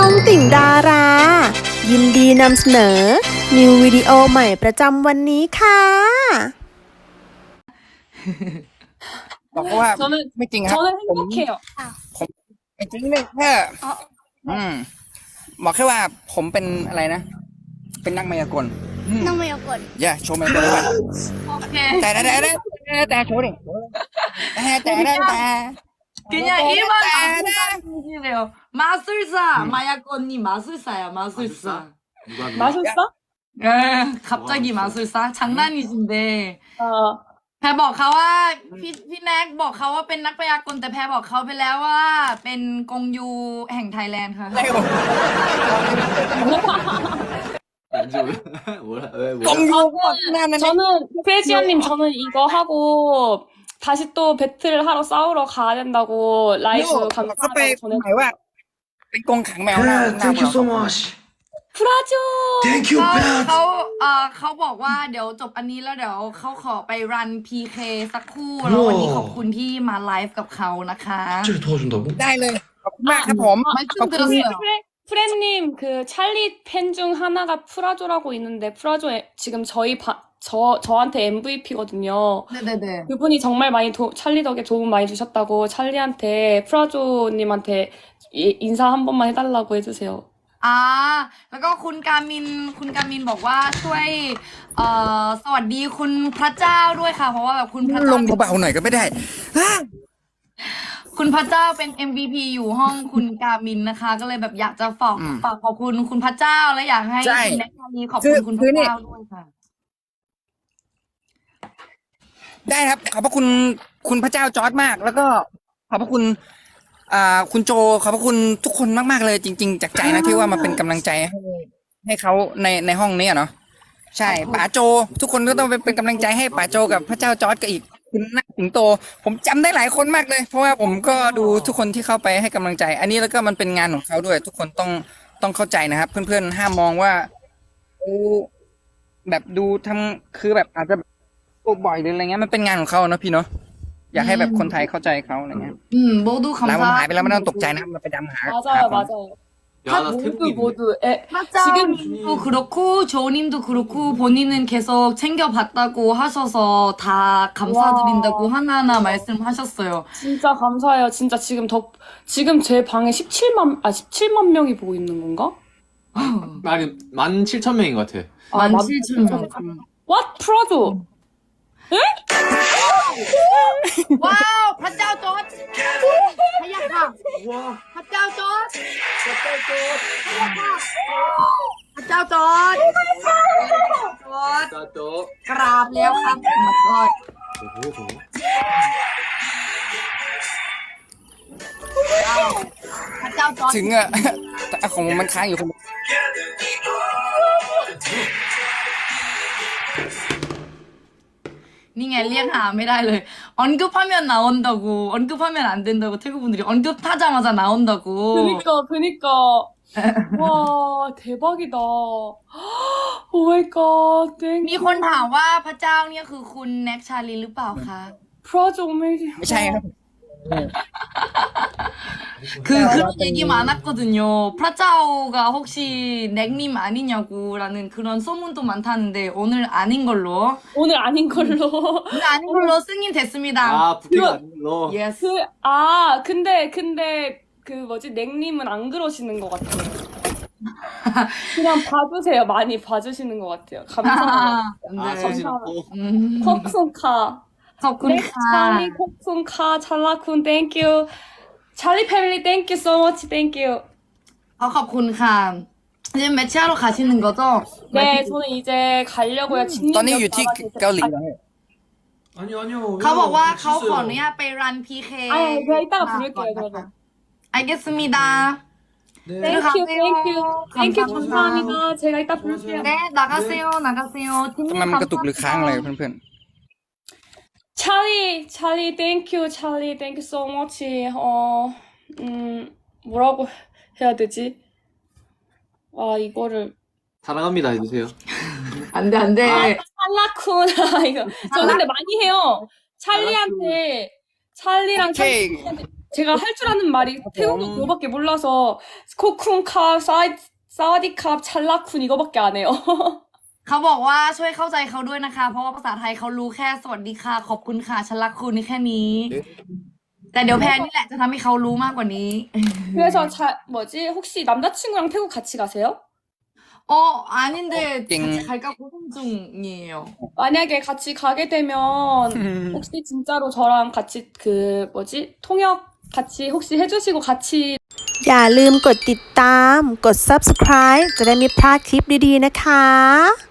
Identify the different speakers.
Speaker 1: องติ่งดารา ยินดีนำเสนอ นิววิดีโอใหม่ประจำวันนี้ค่ะ
Speaker 2: บอกเขาว่า
Speaker 3: 저는
Speaker 2: ไม่จริงครับ
Speaker 3: 저는
Speaker 2: ผม
Speaker 3: 행복해요.
Speaker 2: ไม่จริงเลยแค่บอกแค่ว่าผมเป็นอะไรนะ เป็นนักมายากล
Speaker 4: นักมายากล
Speaker 2: อย่าโชว์มายากลเลยว่ะ
Speaker 3: 오케이.
Speaker 2: แต่โชว์ดิแต่
Speaker 3: 그냥 일반 마술사이래요. 마술사, 마약언니 마술사야, 마술사.
Speaker 4: 마술사?
Speaker 3: 에, 갑자기 마술사? 장난이신데.
Speaker 4: เออ
Speaker 3: แพรบอกเขาว่าพี่แน็กบอกเขาว่าเป็นนักพยากรณ์แต่แพรบอกเขาไปแล้วว่าเป็นกงยูแห่งไทยแลนด์ค่ะ
Speaker 5: 왠지 몰라. 왜
Speaker 2: กง
Speaker 5: 뭐야?
Speaker 2: ยูก่อนหน้านั้น
Speaker 4: 저는 크레지언님 저는 이거 하고 다시 또 배틀 하러 싸우러 가야 된다고 라이브
Speaker 2: เขาไป
Speaker 4: 감사하다고
Speaker 2: หมายว่า เป็นกงขังแมวหน้า
Speaker 5: Yeah, thank you so much.
Speaker 4: 프라조
Speaker 5: Thank you,
Speaker 3: เขา
Speaker 5: Beth.
Speaker 3: เขาบอกว่าเดี๋ยวจบอันนี้แล้วเดี๋ยวเขาขอไปรัน PK สักครู่แล้ววันนี้ขอบคุณที่มาไลฟ์กับเขานะคะ
Speaker 5: 갑자기 도와준다고?
Speaker 2: ได้เลย ขอบคุณมากครับผม
Speaker 3: ไม่ซึ่งเดือด
Speaker 4: 프렌님 그 찰리 팬 중 하나가 프라조라고 있는데 프라조 지금 저한테 MVP거든요.
Speaker 3: 네네네.
Speaker 4: 그분이 정말 많이 찰리 덕에 도움 많이 주셨다고 찰리한테 프라조님한테 인사 한 번만 해달라고 해주세요.
Speaker 3: แล้วก็คุณกามินบอกว่าช่วยสวัสดีคุณพระเจ้าด้วยค่ะ เพราะว่าแบบคุณพระ
Speaker 2: ล
Speaker 3: เจ้าง
Speaker 2: เบาๆหน่อยก็ไม่ได้
Speaker 3: คุณพระเจ้าเป็น MVP อยู่ห้องคุณกามินนะคะ ก็เลยแบบอยากจะฝากขอบคุณคุณพระเจ้าและอยากให้
Speaker 2: ใช่
Speaker 3: คุณแน็กชาลีขอบคุณคุณพระเจ้าด้วยค่ะ
Speaker 2: ได้ครับ ขอบพระคุณคุณพระเจ้าจอร์จมาก แล้วก็ขอบพระคุณคุณโจขอบพระคุณทุกคนมากๆเลยจริงๆจากใจนะที่ว่ามาเป็นกำลังใจให้เขาในห้องนี้อะเนาะใช่ป๋าโจ ทุกคนก็ต้องเป็นกำลังใจให้ป๋าโจกับพระเจ้าจอร์จกับอีกคุณนักสิงโต ผมจำได้หลายคนมากเลย เพราะว่าผมก็ดูทุกคนที่เข้าไปให้กำลังใจ อันนี้แล้วก็มันเป็นงานของเขาด้วย ทุกคนต้องเข้าใจนะครับ เพื่อนๆห้ามมองว่าแบบดูทำคือแบบอาจจะบ่อยหรืออะไรเงี้ยมันเป็นงานของเขาเนาะพี่เนาะอยากให้แบบคนไทยเข้าใจเขาอะไรเงี้ย
Speaker 3: 모두
Speaker 2: แล้วมันหายไป
Speaker 3: 감사.
Speaker 2: แล้วไม่ต้องตกใจนะครับมันไปดำหา
Speaker 4: 맞아요, 맞아요.
Speaker 5: 야, 나 태국인.
Speaker 4: 모두
Speaker 3: 지금도 그렇고 조님도 그렇고 본인은 계속 챙겨봤다고 하셔서 다 감사드린다고 하나하나 말씀하셨어요.
Speaker 4: 진짜 감사해요. 진짜 지금 제 방에 17만 명이 보고 있는 건가?
Speaker 5: 아니, 17,000명인 것 같아.
Speaker 3: 17,000명.
Speaker 4: What? 프라조?
Speaker 3: 와우, 밭자오 전. 하야카. 밭자오 전. 밭자오 전.
Speaker 5: 나도.
Speaker 3: กราบแล้วครับมาก่อน พระเจ้าจอร์จ
Speaker 2: ถึงอะแต่ของมันค้างอยู่คน
Speaker 3: นี่ไงเรียกหาไม่ได้เลย 언급하면 나온다고 언급하면 안 된다고 태국 분들이 언급하자마자 나온다고
Speaker 4: 그니까. 와, 대박이다. 오 마이 갓, 땡.
Speaker 3: มีคนถามว่าพระเจ้าเนี่ยคือคุณแน็กชาลีหรือเปล่าคะ
Speaker 4: 프라조 오메이지.
Speaker 2: ไม่ใช่ครับ
Speaker 3: 그런 얘기 많았거든요. 프라짜오가 혹시 넥님 아니냐고라는 그런 소문도 많다는데 오늘 아닌 걸로
Speaker 4: 오늘 아닌 걸로.
Speaker 3: 오늘 아닌 걸로 승인됐습니다.
Speaker 5: 아, 부캐가 아닌 걸로.
Speaker 3: 예스.
Speaker 4: 근데 그 뭐지 넥님은 안 그러시는 것 같아요. 그냥 봐주세요. 많이 봐주시는 것 같아요. 감사합니다.
Speaker 5: 아,
Speaker 3: 네.
Speaker 5: 서진없고.
Speaker 4: 콕순카. 네,
Speaker 3: 덕분카.
Speaker 4: 찰리 콕순카 찰라쿤 땡큐. 찰리 패밀리 땡큐 so much 땡큐.
Speaker 3: ขอบคุณค่ะ 지금 매치하러 가시는 거죠?
Speaker 4: 네, 저는 이제 가려고요.
Speaker 2: ตอนนี้อยู่ที่เกาหลีแล้ว
Speaker 5: 아니요, 아니요.
Speaker 3: เขาบอกว่าเขาขออนุญาตไปรัน PK
Speaker 4: 아, 제가 이따가 부를게요, 그러면.
Speaker 3: 알겠습니다.
Speaker 5: 네.
Speaker 4: 땡큐
Speaker 3: 감사합니다.
Speaker 4: 감사합니다. 제가 이따 부를게요.
Speaker 3: 네, 나가세요.
Speaker 2: ทำไมมันกระตุกหรือค้างอะไรเพื่อน
Speaker 4: 찰리 땡큐 so much. 뭐라고 해야 되지? 아, 이거를
Speaker 5: 사랑합니다 해주세요.
Speaker 3: 안 돼, 안 돼.
Speaker 4: 찰라쿤 이거 저 근데 많이 해요. 찰리랑
Speaker 2: 오케이.
Speaker 4: 찰리한테 제가 할 줄 아는 말이 태국어 그거밖에 몰라서 코쿤캅, 사와디캅, 찰라쿤 이거밖에 안 해요.
Speaker 3: เขาบอกว่าช่วยเข้าใจเขาด้วยนะคะ เพราะว่าภาษาไทยเขารู้แค่สวัสดีค่ะขอบคุณค่ะฉันรักคุณนี่แค่นี้ แต่เดี๋ยวแพนนี่แหละจะทำให้เขารู้มากกว่านี้
Speaker 4: 그래서 혹시 남자친구랑 태국 같이 가세요?
Speaker 3: 아닌데
Speaker 2: 띵.
Speaker 3: 같이 갈까 고민 중이에요.
Speaker 4: 만약에 같이 가게 되면 혹시 진짜로 저랑 같이 통역 같이 혹시 해주시고 같이
Speaker 1: อย่าลืมกดติดตาม กด subscribe จะได้ไม่พลาดคลิปดีๆนะคะ